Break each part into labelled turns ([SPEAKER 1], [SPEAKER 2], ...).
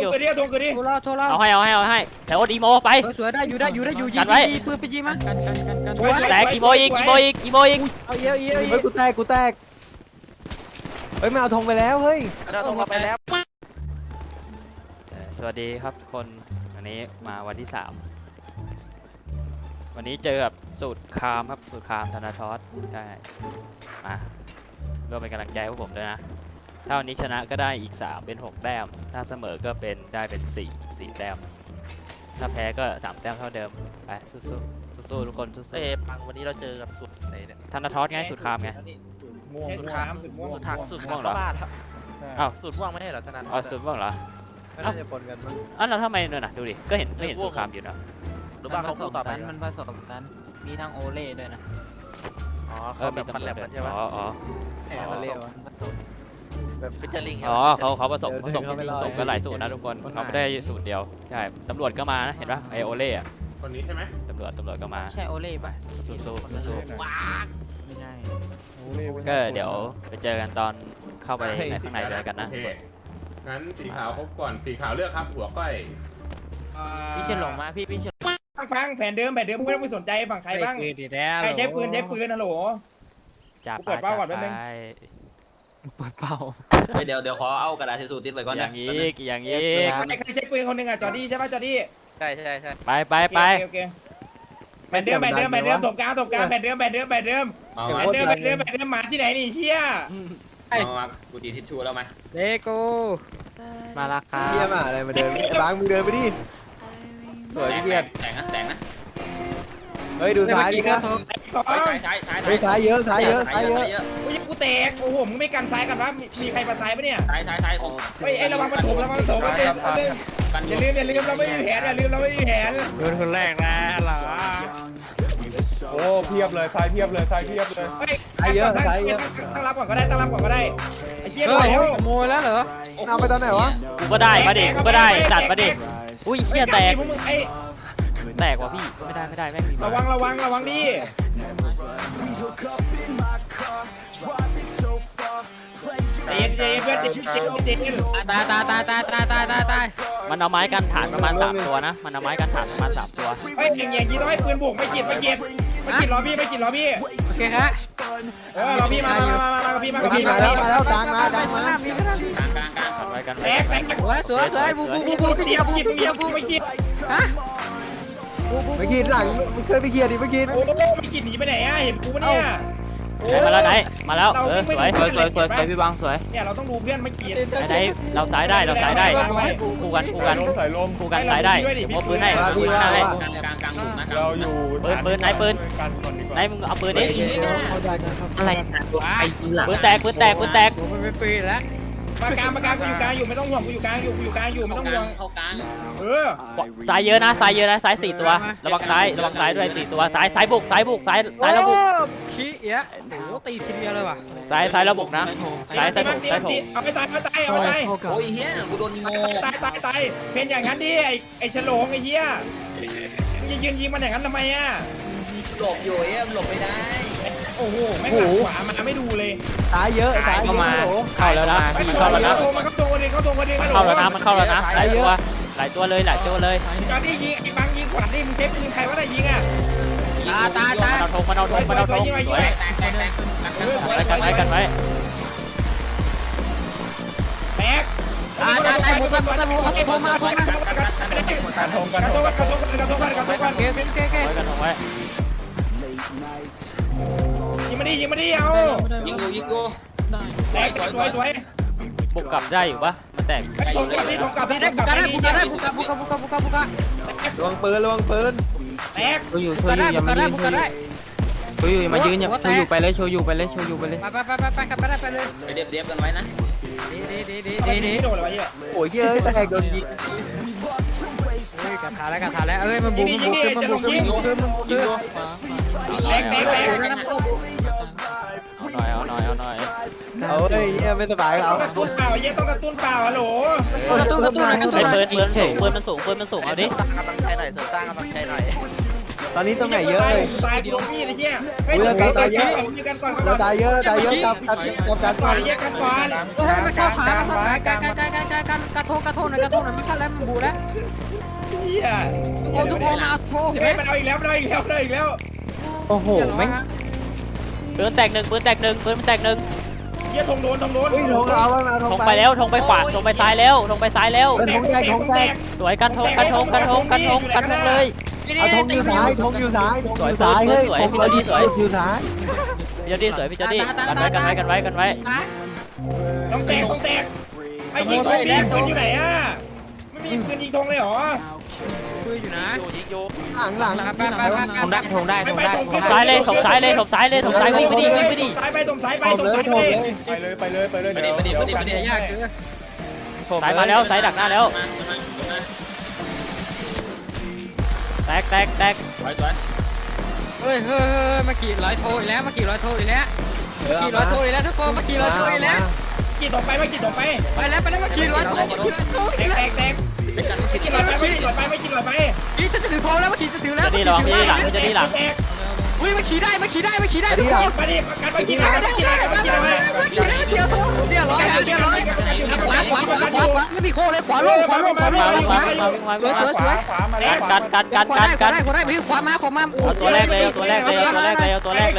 [SPEAKER 1] อยู่
[SPEAKER 2] โทรเรา
[SPEAKER 1] เอาให้แต่โอ๊ตอีโมไป
[SPEAKER 2] สวยได้อยู่ยิงปืนไปยิงมั้ง
[SPEAKER 1] แตกอีโมอีก
[SPEAKER 2] เอาเยอะ
[SPEAKER 3] กูแตกเฮ้ยไม่เอาธงไปแล้วเฮ้ย
[SPEAKER 2] เราต้องไปแล้ว
[SPEAKER 1] สวัสดีครับทุกคนวันนี้มาวันที่ 3วันนี้เจอกับสูตรคามครับสูตรคามธนาทอสใช่มาร่วมเป็นกำลังใจพวกผมด้วยนะถ้าวันนี้ชนะก็ได้อีก3เป็น6แต้มถ้าเสมอก็เป็นได้เป็น4แต้มถ้าแพ้ก็3แต้มเท่าเดิมไปสู้ทุกคนสู้ๆ
[SPEAKER 4] ปังวันนี้เราเจอกับสุดไหนเนี่ย
[SPEAKER 1] ธนาทอสไงสูตรคามไง
[SPEAKER 4] สุดขามสุดม่วงสุด
[SPEAKER 1] ม่วงเหรอ
[SPEAKER 4] บ้าครับ
[SPEAKER 1] อ้าว
[SPEAKER 4] สุดม่วงไม่ใช่เหรอธนา
[SPEAKER 1] อ๋อสูตรม่วงเหรอ
[SPEAKER 3] น่าจะปนกันมั้ง
[SPEAKER 1] อ้าวแล้วทำไมเนี่ยนะดูดิก็เห็นสูตรคามอยู่นะ
[SPEAKER 4] หรือว่าเขาคู่ต่อไป
[SPEAKER 2] มันผสมกันมีทั้งโอเล่ด้วยนะ
[SPEAKER 4] อ๋อเขาแบบพันแลบกันใช่ไหม
[SPEAKER 1] อ๋อ
[SPEAKER 3] แหมมาเร็ว
[SPEAKER 4] แบบฟิชเจอริง
[SPEAKER 1] อ๋อเขาผสมกันหลายสูตรนะทุกคนเขาไม่ได้สูตรเดียวใช่ตำรวจก็มานะเห็นปะไอโอเล่อะ
[SPEAKER 5] คนนี้ใช่ไหม
[SPEAKER 1] ตำรวจก็มา
[SPEAKER 2] ใช่โอเล่ป่ะ
[SPEAKER 1] สู้
[SPEAKER 2] ไม่ใช่
[SPEAKER 1] ก็เดี๋ยวไปเจอกันตอนเข้าไปในข้างในเลยกันนะ
[SPEAKER 5] โอเคงั้นสีขาวครบก่อนสีขาวเลือกครับหัวก้อย
[SPEAKER 2] พี่เฉินหลงมาพี่เฉิน
[SPEAKER 6] ฟังแผนเดิมไม่ต้องไปสนใจฝั่งใครบ้างใครใช้ปืนฮัลโหล
[SPEAKER 1] จ่า
[SPEAKER 6] เปิดเป้าก่อนแป๊บนึง
[SPEAKER 2] เปิดเป่า
[SPEAKER 7] เดี๋ยวขอเอากระดาษทิชชู่ติดไว้ก่อน
[SPEAKER 1] อ
[SPEAKER 7] นะ
[SPEAKER 1] ย่างนี้
[SPEAKER 6] ใครใช้ปืนคนหนึ่งอ่ะจอร์ดี้ใช่ป่ะจอร์ดี้
[SPEAKER 4] ใช่
[SPEAKER 1] ไป
[SPEAKER 6] โอเคแผนเดิมตบกลางแผนเดิมมาที่ไหนนี่เฮีย
[SPEAKER 7] มากูตีทิชชู่แล้วไหม
[SPEAKER 2] เลโก้มาละครับ
[SPEAKER 3] เฮียมาอะไรมาเดินบางมึงเดินไปดิสวยพี่เกียรติ
[SPEAKER 7] แต่งนะ
[SPEAKER 3] เฮ้ยดูซ้ายดิครับ
[SPEAKER 6] สอง
[SPEAKER 3] เฮ้ยซ้ายเยอะ
[SPEAKER 6] กูแตกโอ้โหมึงไม่กันซ้ายกันวะมีใครมาซ้ายปะเนี่ย
[SPEAKER 7] ซ้ายผม
[SPEAKER 6] ไอ้ระวังมันถมอย่าลืมเราไม่มีแผน
[SPEAKER 2] โดนคนแรกนะเหรอ
[SPEAKER 5] โอ้เพียบเลยทรายเพียบเลย
[SPEAKER 6] ตั้งรับก่อนก็ได้ไอ้เหี้ย
[SPEAKER 2] เฮ้ย
[SPEAKER 6] แล้ว
[SPEAKER 2] ขโมยแล้วเหรอ
[SPEAKER 3] เอาไปตอนไหนวะ
[SPEAKER 1] กูก็ได้มาดิกูก็ได้จัดมาดิอุ้ยเฮียแตก
[SPEAKER 6] ไอ้
[SPEAKER 1] ว่ะพี่ไม่ได้แม่งมี
[SPEAKER 6] ระวังดิ เย็นเพื่อนเย็น
[SPEAKER 2] ตาย
[SPEAKER 1] มันเอาไม้กันฐานประมาณ3ตัวนะมันเอาไม้กันฐานประมาณ3ตัว
[SPEAKER 6] ไม่อย่างนี้ต้องให้ปืนบุกไม่ขีดรอพี่
[SPEAKER 2] โอเคฮะ
[SPEAKER 6] รอพี่มาพี่มา
[SPEAKER 3] มาแล้วกลางมา
[SPEAKER 7] กลาง
[SPEAKER 1] กันไว้
[SPEAKER 6] แตก
[SPEAKER 2] สวยบู
[SPEAKER 6] เดียวไม่ขีด
[SPEAKER 2] ฮะ
[SPEAKER 3] ไม่ขีดหลังมึงช่วยไปเกียร์ดิไม่ขีด
[SPEAKER 6] โอ้ไม่ขีดหนีไปไหนอ่ะเห็นกูปะเนี่ย
[SPEAKER 1] มาแล้วมาแล้วสวย
[SPEAKER 2] พี่บังสวย
[SPEAKER 6] เนี่ยเราต้องดูเพื่อนไม่ขีด
[SPEAKER 1] ไหนเราซ้ายได้คู่กัน
[SPEAKER 5] ใส่ลม
[SPEAKER 1] คู่กันซ้ายได้โอ้ปืนให้
[SPEAKER 7] กลางหลุมนะ
[SPEAKER 5] เราอยู่
[SPEAKER 1] ปืนไหนมึงเอาปืนดิ
[SPEAKER 2] อะไร
[SPEAKER 1] ปืนแตก
[SPEAKER 2] ผมไม่ปืนแล้ว
[SPEAKER 6] มากลางกูอยู่กลางอยู่ไม่ต้องห่วงกูอยู่กลางอยู่ไม่ต้องห่วง
[SPEAKER 7] เข้ากลาง
[SPEAKER 1] ซ้ายเยอะนะซ้าย4ตัวระวังซ้ายด้วย4ตัวซ้ายบุกซ้ายระบุก
[SPEAKER 2] ขี้เอี้ยโอ้ตีทีเดียวเลยว่ะ
[SPEAKER 1] ซ้ายระบุกนะซ้ายถม
[SPEAKER 6] เอาไปตาย
[SPEAKER 7] โอ้ยเฮียกูโดนอีโม
[SPEAKER 6] ตายเป็นอย่างนั้นดิไอ้ฉลองไอ้เหี้ยยิงมันอย่างนั้นทำไมอ่ะ
[SPEAKER 7] หลบอยู่หลบไม่ได้
[SPEAKER 6] โอ้โหไม่หลังขวามาไม่ดูเลย
[SPEAKER 3] ซ้ายเยอะ
[SPEAKER 1] เข้าแล้วนะมันเข้าแล้วนะ
[SPEAKER 6] มันเข้าตัวดิ
[SPEAKER 1] มันเข้าแล้วนะหลายตัวเลย
[SPEAKER 6] จอนี่ยิงไอ้บังยิงขวาดิมึงเช็คปืนใครว่าได้ยิงอ่ะ
[SPEAKER 2] ตาย
[SPEAKER 1] มันเอาธงสวยกันไว้
[SPEAKER 6] แตก
[SPEAKER 2] ตายบุกกันโทรมา
[SPEAKER 5] การทง
[SPEAKER 6] กระโดด
[SPEAKER 2] โอเค
[SPEAKER 1] กันธงไว้
[SPEAKER 6] ยิงมาดิเอา
[SPEAKER 7] ยิงกู
[SPEAKER 6] แตกสวย
[SPEAKER 1] บุกกลับได้อยู่ปะมันแตก
[SPEAKER 6] ถงกลับบุก
[SPEAKER 2] บุกกัน
[SPEAKER 3] ลวงปืน
[SPEAKER 6] แตก
[SPEAKER 2] บุกกันได้
[SPEAKER 8] มายืนอย่าโชว์อยู่ไปเลย
[SPEAKER 2] ไปเลย
[SPEAKER 7] ไปเดียบกันไว้นะ
[SPEAKER 6] ดีโดดเลยวะเหี้ย
[SPEAKER 3] โอ้ยเยอะแตกโดนยิง
[SPEAKER 2] กระถาแล้วเอ้ยมันบุก
[SPEAKER 7] ยิงกู
[SPEAKER 6] แตก
[SPEAKER 1] เอาหน่อย
[SPEAKER 3] เอาเลยเฮียไม่สบายเอา
[SPEAKER 6] ต้องกระตุ้นเปล่าเหี้ยต้องกระตุ้นเปล่าฮัลโหล
[SPEAKER 1] เป็นปืนมันสูงเอาดิ
[SPEAKER 4] กำลังใจหน่อยเสริมสร้างกำลังใจหน่อย
[SPEAKER 3] ตอนนี้ตรงไหนเยอะเลย
[SPEAKER 6] ตายกูโดนมีดไอ้เหี้ย
[SPEAKER 3] เราตายเยอะ
[SPEAKER 6] มีกันก่อน
[SPEAKER 3] เราตายเยอะเราตายเยอะกับกัน
[SPEAKER 6] ก่อนไอ้เหี้ยกันก่อน
[SPEAKER 2] เฮ้ยมันเข้าขามันเข้าขาการกระโทษหน่อยไม่ทันแล้วมันบูแล้ว
[SPEAKER 6] เหี้ย
[SPEAKER 2] ทุกคนมาโทษ
[SPEAKER 6] เฮ้ยมันเอาอีกแล้วมันเอาอีกแล้วมันเอาอีกแล้ว
[SPEAKER 8] โอ้โหแม่ง
[SPEAKER 1] ปืนแตกหนึ่งปืนแตกหนึ่งปืนมันแตกหนึ่ง
[SPEAKER 6] เหี้ยธงโดน
[SPEAKER 3] เฮ้ยทงเอามาท
[SPEAKER 1] ธ
[SPEAKER 3] ง
[SPEAKER 1] งไปแล้วธงไปขวาธงไปซ้ายแล้วธงไปซ้ายแล้ว
[SPEAKER 3] ทงแตกทงแตก
[SPEAKER 1] สวยกันธงกันธงกันธงกันธงกันธงเลย
[SPEAKER 3] เอาทงอยู่ซ้ายทงอยู่ซ้ายทงอยู่ซ้ายเฮ้ยทงอยู่ซ้าย
[SPEAKER 1] พี่เจอดี้สวยพี่เจอดี้กันไว้กันไว้กันไว้กันไว้
[SPEAKER 6] ต้องแตกไอ้ยิงธงดิปืนอยู่ไหนอ่ะไม่มีปืนยิงธงเลยเหรอ
[SPEAKER 2] คืออยู่นะ
[SPEAKER 3] หลัง
[SPEAKER 8] ทงได้ทงได้ทงได้
[SPEAKER 1] ถมซ้ายเลยถมซ้ายเลยถมซ้ายเลยถมซ้ายวิ่งไปดิวิ่งไปดิ
[SPEAKER 6] ซ้ายไปตรงซ้ายไป
[SPEAKER 3] ถม
[SPEAKER 6] ตรง
[SPEAKER 3] เลย
[SPEAKER 6] ซ้าย
[SPEAKER 3] ถ
[SPEAKER 6] ไป
[SPEAKER 3] มเลย
[SPEAKER 6] ไปเลย
[SPEAKER 7] ไปดิไปดิไปดิไปดิ
[SPEAKER 2] ยากคือ
[SPEAKER 1] ซ้ายมาแล้วซ้ายดักหน้าแล้วแตกแตกแตก
[SPEAKER 2] เฮ้ยมาขี่ร้อยโทอีกแล้วมาขี่ร้อยโทอีกแล้วขี่ร้อยโทอีกแล้วทุกคนมาขี่ร้อยโทอีกแล้ว
[SPEAKER 6] กี่ต่อไปมากี่ต่อไป
[SPEAKER 2] ไปแล้วมาขี่ร้อยโท
[SPEAKER 6] แตกไม่กี่หลอดไปไม่กี่หลอดไป
[SPEAKER 2] ขี่จะถือโทแล้วมาขี่จะถือแล้ว
[SPEAKER 1] เจอดี้ระวังพี่หลังเจอดี้หลัง
[SPEAKER 2] อุ้ยมาขี่ได้ทุกคน
[SPEAKER 6] มาดิประกันมากี่หลอดมากี่หลอดมากี่หลอด
[SPEAKER 2] เดี๋ยวโทเดี๋ยวร้อยขวาไม่มีโคเลยขวาลง
[SPEAKER 1] มาวิ่งมาวิ่งมาวิ่งมาวิ่งมา
[SPEAKER 2] สวย
[SPEAKER 1] กัน
[SPEAKER 2] ขวาได้ขวามาขวามา
[SPEAKER 1] เอาตัวแรกเลยเอาตัวแรกเลยเอาตัวแรกเลยเอาตัวแรกเลย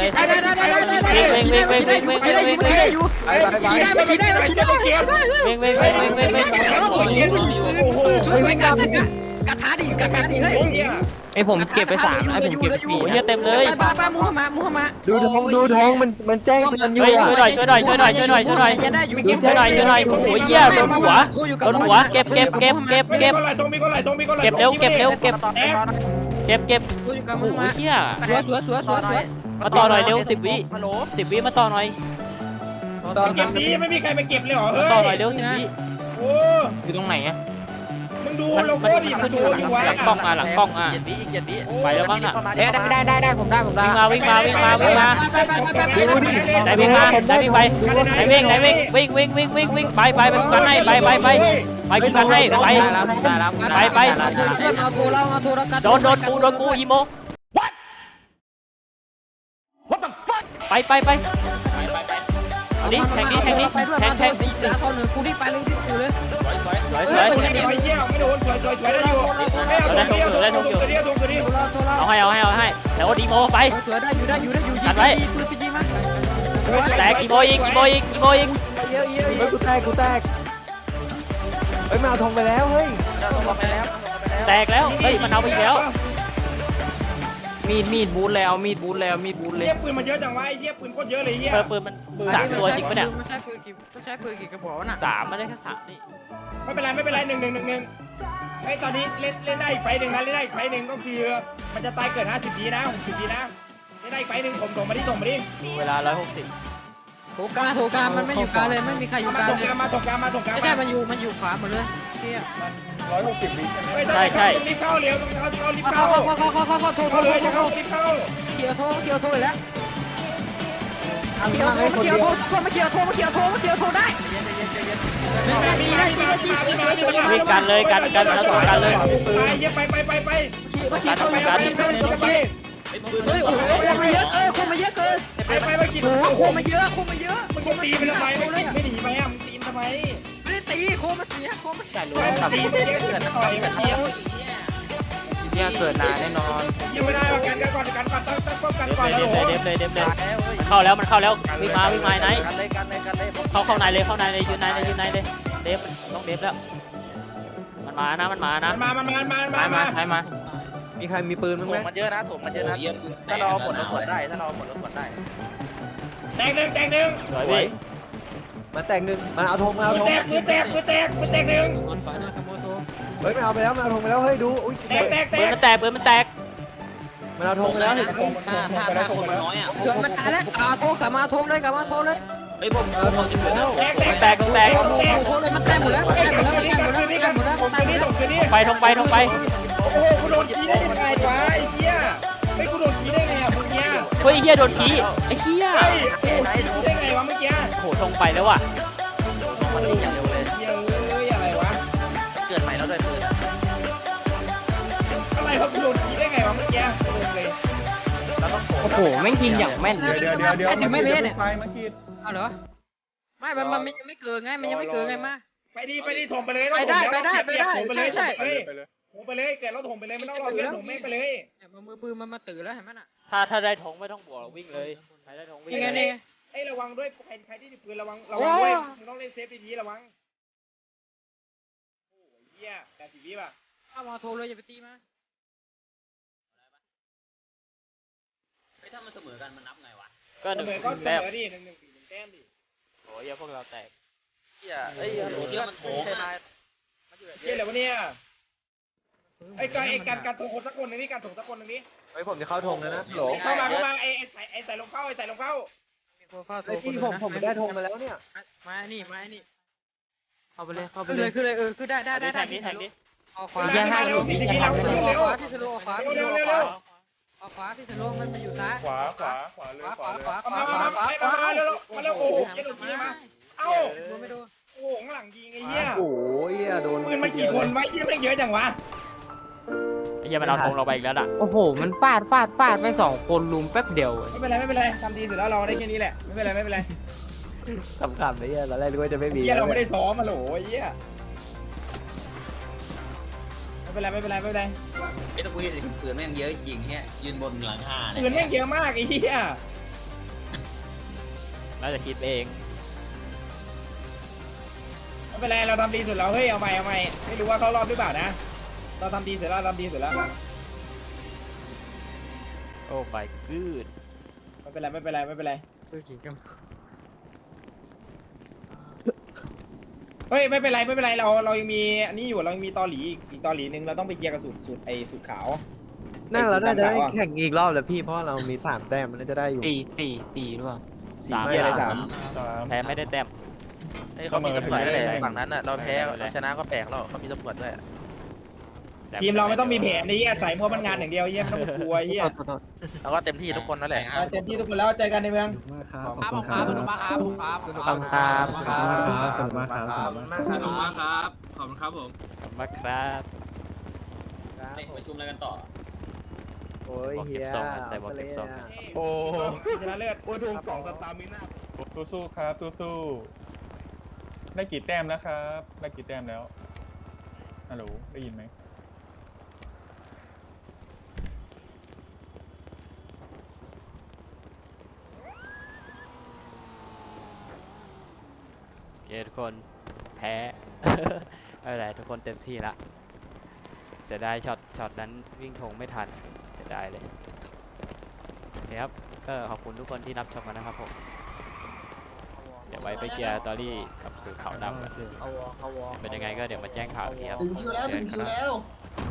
[SPEAKER 2] อยู่ขี่ได้ไม่ขี่ได้
[SPEAKER 1] วิ่งวิ่งวิ่งวิ่งวิ่งวิ่ง
[SPEAKER 2] ช่วยกันกระทาดิเฮ้ย
[SPEAKER 8] ไอผมเก็บไป3ไอผมเก็บไป4
[SPEAKER 1] โอ้ยเต็มเลย
[SPEAKER 2] ป้ามูมา
[SPEAKER 3] ดูทงมันแจ้งเตือนอยู่
[SPEAKER 1] เฮ้ยช่วยหน่อยช่วยหน่อยช่วยหน่อยช่วยหน่อยช่วยหน่อย
[SPEAKER 2] ได้อยู่
[SPEAKER 1] ช่วยหน่อยช่วยหน่อยโอ้ยเหี้ยโดนหัวโดนหัวเก็บเก็บเก็บเก็บเก็บ
[SPEAKER 6] มีคนไหลตรงมีคนไหล
[SPEAKER 1] เก็บเร็วเก็บเร็วเก็บ
[SPEAKER 6] แตก
[SPEAKER 1] เก็บเก็บ
[SPEAKER 2] อยู่กับ
[SPEAKER 1] โอ้
[SPEAKER 2] มือ
[SPEAKER 1] โห
[SPEAKER 2] มา
[SPEAKER 1] เหี้ย
[SPEAKER 2] สวย
[SPEAKER 1] มาต่อหน่อยเร็ว10 วิ10 วิมาต่อหน่อย
[SPEAKER 3] ตอน
[SPEAKER 6] เก็บนี้ไม่มีใครมาเก็บเลยเหรอ
[SPEAKER 1] มา
[SPEAKER 6] เฮ้ย
[SPEAKER 1] ต่อหน่อยเร็ว10 วิ
[SPEAKER 6] โอ้
[SPEAKER 8] อยู่ตรงไหนอะ
[SPEAKER 6] มึงดู
[SPEAKER 1] มัน
[SPEAKER 6] โล
[SPEAKER 1] มัน
[SPEAKER 6] โก้ดิ
[SPEAKER 1] มัน
[SPEAKER 6] มัน
[SPEAKER 1] ขึ้น
[SPEAKER 6] โช
[SPEAKER 1] อยู่
[SPEAKER 6] ว์อยู่
[SPEAKER 1] หลังกล้องมาหลังกล้องอ่ะ
[SPEAKER 4] 7 วิอีก 7 วิ
[SPEAKER 1] ไปแล้วมั้งอ่ะ
[SPEAKER 8] ได้ผมได้
[SPEAKER 1] วิ่งมาวิ่งมาวิ่งมาวิ่งมา
[SPEAKER 3] ดูดิ
[SPEAKER 1] ไหนวิ่งมาไหนวิ่งไปไหนวิ่งไหนวิ่งวิ่งไปไปกูกันให้ไปกูกันให้ไป
[SPEAKER 8] ได้แล้ว
[SPEAKER 1] ไป
[SPEAKER 2] เอาโทรแล้วเอาโทรแล้วกัน
[SPEAKER 1] โดนกูอีโมไปเอาดิแทงดิแทง
[SPEAKER 2] สีสาทหนึ่งกูนี่ไปเลยที่กูเลย
[SPEAKER 1] สวย
[SPEAKER 6] ไม่เยี่ยมไม่โดนสวยได้อยู่ได้ทงอยู่
[SPEAKER 1] เอาให้แล้วดีโมไป
[SPEAKER 2] สวยได้อยู่ปืนไปยิงมา
[SPEAKER 1] แตกอีโมอีก
[SPEAKER 2] เยอะ
[SPEAKER 3] เฮ้ยกูแตกเฮ้ยมาเอาทงไปแล้วเฮ้ย
[SPEAKER 1] แตกแล้วเฮ้ยมันเอาไปอีกแล้ว
[SPEAKER 8] มีดบูทแล้วมีดบูทเลย
[SPEAKER 6] เยี่ยปืนมันเยอะจังวะไอ้เยี่ยปืนโคตรเยอะเลยเยี่ย
[SPEAKER 1] ปืนมัน3 ตัวจริงปะเนี่ย
[SPEAKER 2] ไม่ใช่ปืนกี่กระบอกน่ะ
[SPEAKER 1] 3ไม่ได้แค่3นี่
[SPEAKER 6] ไม่เป็นไรไอ้ตอนนี้เล่นได้อีกไฟหนึ่งนะเล่นได้อีกไฟหนึ่งก็คือมันจะตายเกิด50 วินะ60 วินะเล่นได้อีกไฟหนึ่งผมส่งมาดิ
[SPEAKER 1] เวลา160
[SPEAKER 2] โถกามันไม่อยู่กลางเลยไม่มีใครอยู่กลางเลย
[SPEAKER 6] มาตกกลาง
[SPEAKER 2] ไม่ใช่มันอยู่ขวาหมดเลยเที่ย
[SPEAKER 6] ใช่รีบเข้าเร็วต้องเข้ารีบเข้า
[SPEAKER 2] โทร
[SPEAKER 6] เข้าเลยจะเข้ารีบเข้า
[SPEAKER 2] เกี่ยวโทรเลยแล้วเกี่ยวโทรได้
[SPEAKER 1] วิ่งกันเลยกันแล้วต่อกันเลย
[SPEAKER 6] ไป
[SPEAKER 2] เฮ้ยโอ้โหมาเยอะคนมาเยอะเกิน
[SPEAKER 6] ไปกิน
[SPEAKER 2] โอ้โหคนมาเยอะ
[SPEAKER 6] มึงตีไปทำไมไม่หนีไปอ่ะมึงตีทำไม
[SPEAKER 2] ไม่ได้ตีโคมาเสียโคมา
[SPEAKER 1] ใช่รู้
[SPEAKER 6] ตีไปเยอะเกินต่อยกันเทียม
[SPEAKER 8] เนี่ยเกิดนานแน่นอน
[SPEAKER 6] ยิงไม่ได้กันก่อนต้องป้องกันก่อนแล้ว
[SPEAKER 1] เด็บเลยมันเข้าแล้ววิ่งมาไหน
[SPEAKER 4] กันเลย
[SPEAKER 1] เข้าในเลยยืนในเลยเด็บต้องเด็บแล้วมันมานะ
[SPEAKER 6] มา
[SPEAKER 8] ใช้มา
[SPEAKER 3] มีใครมีปืนมั้ง
[SPEAKER 7] ถ
[SPEAKER 3] ไหม
[SPEAKER 7] มมันเยอะนะถ้าเราหมดรถขวดได้
[SPEAKER 6] แตกหนึ่ง
[SPEAKER 1] สวยพี่
[SPEAKER 3] มาแตกหนึ่งมาเอาทง
[SPEAKER 6] แตกหนึ่ง
[SPEAKER 3] เฮ้ยมาเอาไปแล้วมาเอาทงไปแล้วเฮ้ยดูอุ้ย
[SPEAKER 1] ปืนมันแตก
[SPEAKER 3] มันเอาทงไปแล้วนี่
[SPEAKER 7] ถ้าคนมันน้อยอ่ะ
[SPEAKER 2] มันตายแล้วโทรกลับมาโทรเลย
[SPEAKER 7] เฮ้ยผมจะเหลือแล้ว
[SPEAKER 1] แตก
[SPEAKER 2] โทรเลยมันแตกหมดแล้ว
[SPEAKER 1] ทงไป
[SPEAKER 6] โอ้โหกูโดนขี้ได้ยังไงวะไอ้เหี้ยไม่กูโดนขี้ได้ไงอ่ะมึงเนี้ย
[SPEAKER 1] เฮ้ยเฮียโดนขี้ไอ้เฮีย
[SPEAKER 6] เฮ้ยโอ้ยขี้ได้ไงวะเมื่อกี้
[SPEAKER 1] โหทงไปแล้วว่ะ
[SPEAKER 4] มันนี่อย่างเร็วเลย
[SPEAKER 6] เหี้ยเอ้ยอะไรวะ
[SPEAKER 4] เกิดใหม่แล้วด้วยปืน
[SPEAKER 6] อะไรวะกูโดนขี้ได้ไงวะเมื่อกี้เลย
[SPEAKER 8] โอ้โหแม่งยิงอย่างแม่น
[SPEAKER 3] เดี๋ยว
[SPEAKER 2] ถึงไม่เละเนี่ย
[SPEAKER 3] ไฟมาขีด
[SPEAKER 2] เอาเหรอไม่มันยังไม่เกินไงมันยังไม่เกินไงมา
[SPEAKER 6] ไปดิถมไปเลย
[SPEAKER 2] ไปได้
[SPEAKER 6] ถมไปเลย
[SPEAKER 2] ใช่
[SPEAKER 6] ถมไปเลยเกิดเราถมไปเลยไม่ต้องรอเพื่อนถมแม่งไปเลย
[SPEAKER 2] มือปืนมันมาตื่นแล้วเห็นไหมน่ะ
[SPEAKER 1] ถ้าได้ธงไม่ต้องบวกหรอกวิ่งเลยใครได้ธงวิ่ง
[SPEAKER 2] นี่ไงนี่
[SPEAKER 6] ไอ้ระวังด้วยใครที่ถือปืนระวังด้วยมึงต้องเล่นเซฟดีๆระวังโอ้ยเหี้ย80 วิป่ะ
[SPEAKER 2] เอามาโทรเลยอย่าไปตีมา
[SPEAKER 7] ถ้ามันเสมอกันมันนับไงวะ
[SPEAKER 1] ก็หนึ่ง
[SPEAKER 6] ก็เส
[SPEAKER 1] แต้ม
[SPEAKER 6] มอดิ1-1แต้มดิ
[SPEAKER 1] โอ้ยพวกเราแตก
[SPEAKER 7] เฮียเอ้ยเฮียมันโผล่
[SPEAKER 6] เหี้ยอะไรวะเนี่ยไอ้การถงคนสักคนนึงนี่การถงสักคนนึงนี่
[SPEAKER 3] เฮ้ยผมจะเข้าธงแล้วนะโหล
[SPEAKER 6] เข้ามาไอ้ใส่ลงเข้า
[SPEAKER 3] ไอ้พี่ผมได้ธงมาแล้วเนี่ย
[SPEAKER 2] มานี่
[SPEAKER 8] เข้าไปเลย
[SPEAKER 2] ขึ้นเลยขึ้นได้
[SPEAKER 1] แทงนี้แทงนี้
[SPEAKER 2] ออกขวา
[SPEAKER 8] แยกให้ดู
[SPEAKER 6] พี่
[SPEAKER 8] แยกให้
[SPEAKER 6] เรา
[SPEAKER 8] ดู
[SPEAKER 6] เร็ว
[SPEAKER 2] พี่สโลออกขวา
[SPEAKER 6] เร็ว
[SPEAKER 2] ออกขวาพี่สโลมันอยู่ซ้าย
[SPEAKER 3] ขวาเลย
[SPEAKER 2] ขวา
[SPEAKER 6] มาเร็วโอ้โหเย็นทีมาเอ้า
[SPEAKER 2] ไม่ดู
[SPEAKER 6] โอ้โหข้างหลังยิงไอ้เหี้ย
[SPEAKER 3] โอ้ยโดน
[SPEAKER 6] ปืนมันกี่คนไว้ที่ไม่เยอะจังวะ
[SPEAKER 1] ไอ้เหี้ยมันเอาธงเราไปอีกแล้วล่ะ
[SPEAKER 8] โอ้โหมันฟาดไป2 คนลุมแป๊บเดียว
[SPEAKER 6] ไม่เป็นไรทำดีสุดแล้วเราได้แค่นี้แหละไม่เป็นไร
[SPEAKER 3] ขำๆเลยตอนแรกนึกว่าจะไม่มี
[SPEAKER 6] เหี้ยเราไม่ได้ซ้อมมาโหลไอ้เหี้ยไม่เป็นไร
[SPEAKER 7] ไอ้ตะกุยปืนแม่งเยอะยิงเฮียยืนบนหลังคาเนี่ย
[SPEAKER 6] ปืนแม่งเยอะมากไอ้เหี้ย
[SPEAKER 1] น่าจะคิดไปเอง
[SPEAKER 6] ไม่เป็นไรเราทำดีสุดแล้วเฮ้ยเอาใหม่ไม่รู้ว่าเขารอบหรือเปล่านะเราทำดีเสร็จแล้ว
[SPEAKER 1] โอ้ my god
[SPEAKER 6] ไม่เป็นไรเฮ้ยไม่เป็นไรเรายังมีอันนี้อยู่เรายังมีตอหลีอีกตอหลีนึงเราต้องไปเคลียร์กับสุดขาว
[SPEAKER 3] นั่นเราน่าจะได้แข่งอีกรอบแล้วพี่เพราะเรามี3แต้มมันน่าจะได้อยู่
[SPEAKER 8] 4หรือเปล่า
[SPEAKER 1] สาม
[SPEAKER 6] เคลียร์อะไร3
[SPEAKER 1] แพ้ไม่ได้แต้ม
[SPEAKER 7] เขามีตำรวจด้วยฝั่งนั้นน่ะเราแพ้เราชนะก็แปลกแล้วเขามีตำรวจด้วย
[SPEAKER 6] ทีมเราไม่ต้องมีแผนนี่ใส่มัวมันงานอย่างเดียวเยี่ยมไม่ต้องกลัวเยี่ย
[SPEAKER 7] เราก็เต็มที่ทุกคนนั่นแหละ
[SPEAKER 6] เต็มที่ทุกคนแล้วเจอกันในเมือง
[SPEAKER 3] ขอบคุณครับ
[SPEAKER 8] ขอบคุณครับ
[SPEAKER 3] สนุกมากครับสนุกมากครับ
[SPEAKER 7] ขอบคุณมากครับขอบคุณครับผม
[SPEAKER 1] ขอบคุณมากครับ
[SPEAKER 7] ประชุมอะไรกันต่อ
[SPEAKER 3] โอ้ยเฮีย
[SPEAKER 6] โอ้ชนะเลิศ
[SPEAKER 5] โอ้ถูก2 สตาร์มิน่าสู้ๆครับสู้ๆได้กี่แต้มแล้วครับได้กี่แต้มแล้วฮัลโหลได้ยินไหม
[SPEAKER 1] โอเคทุกคนแพ้ ไม่เป็นไรทุกคนเต็มที่ละเสียดายช็อตนั้นวิ่งธงไม่ทันเสียดายเลยโอเคครับก็ขอบคุณทุกคนที่รับชมกันนะครับผมเดี๋ยวไว้ไปเชียร์ตอรี่กับสื่อข่าวดำกันเป็นยังไงก็เดี๋ยวมาแจ้งข่าวทีครับ
[SPEAKER 7] ถึงคิวแล้ว